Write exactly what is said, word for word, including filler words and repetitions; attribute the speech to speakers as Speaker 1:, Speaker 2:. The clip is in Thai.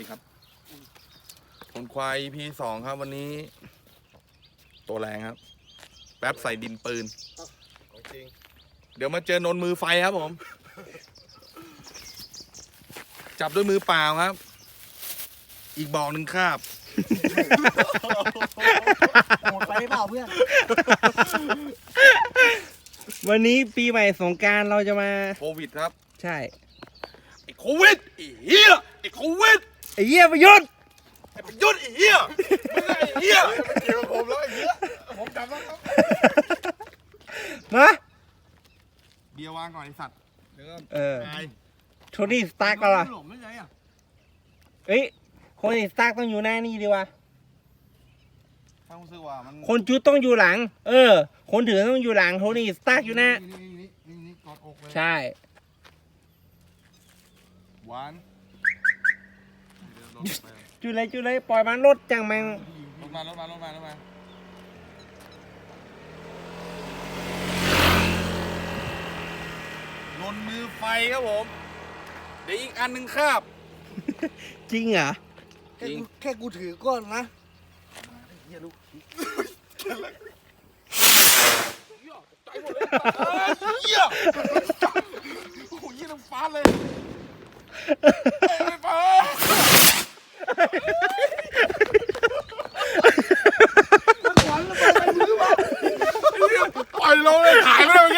Speaker 1: ครับคนควาย อี พี สองครับวันนี้ ตัวแรงครับ แป๊บใส่ดินปืนจริงเดี๋ยวมาเจอนนมือไฟครับผม จับด้วยมือเปล่าครับ อีกบอกหนึ่งคาบ
Speaker 2: หมดไปเปล่าเพื่อน
Speaker 3: วันนี้ปีใหม่สงกรานต์เราจะมา
Speaker 1: โควิดครับ
Speaker 3: ใช่
Speaker 1: ไอ้โควิดไอ้เหี้ยไอ้โควิด
Speaker 3: ไอ้เหี้ยประยุทธ์
Speaker 1: ไอ้ประยุทธ์ไอ้เหี้ยมึงไอ้เหี้ยเกี่ยวกับผมแล้วไอ้เหี้ยผมจำแล้วครับ
Speaker 3: มา
Speaker 1: เบียร์วางก่อนไอ้สัตว์เดี๋ยวก็
Speaker 3: เออ
Speaker 1: ตาย
Speaker 3: โทนี่สตาร์กก็ล่ะ
Speaker 1: หลงไม่ใช่อ่ะ
Speaker 3: เอ้ยคนที่สตาร์กต้องอยู่หน้านี่ดีวะ
Speaker 1: ถ้ารู้สึกว่ามัน
Speaker 3: คนจุดต้องอยู่หลัง เออ คนถือต้องอยู่หลังโทนี่สตาร์กอยู่หน้า
Speaker 1: นี่นี่นี่นี่กอดอกเลย
Speaker 3: ใช่
Speaker 1: หวานเดี๋ยวลงไป
Speaker 3: จุดเลยจุดเลยปล่อยมันรถจังแมง
Speaker 1: ลงมารถมารถมารถมาลนมือไฟครับผมเดี๋ยวอีกอันหนึ่งคาบ
Speaker 3: จริงเหรอ
Speaker 2: แค่กูแค่กูถือก้อนนะ
Speaker 1: เฮียลูกเฮียโอ้โหเฮียน้ำฟ้าเลยไม่ฟ้าปล่อยเราเลยถ่ายไม่ได้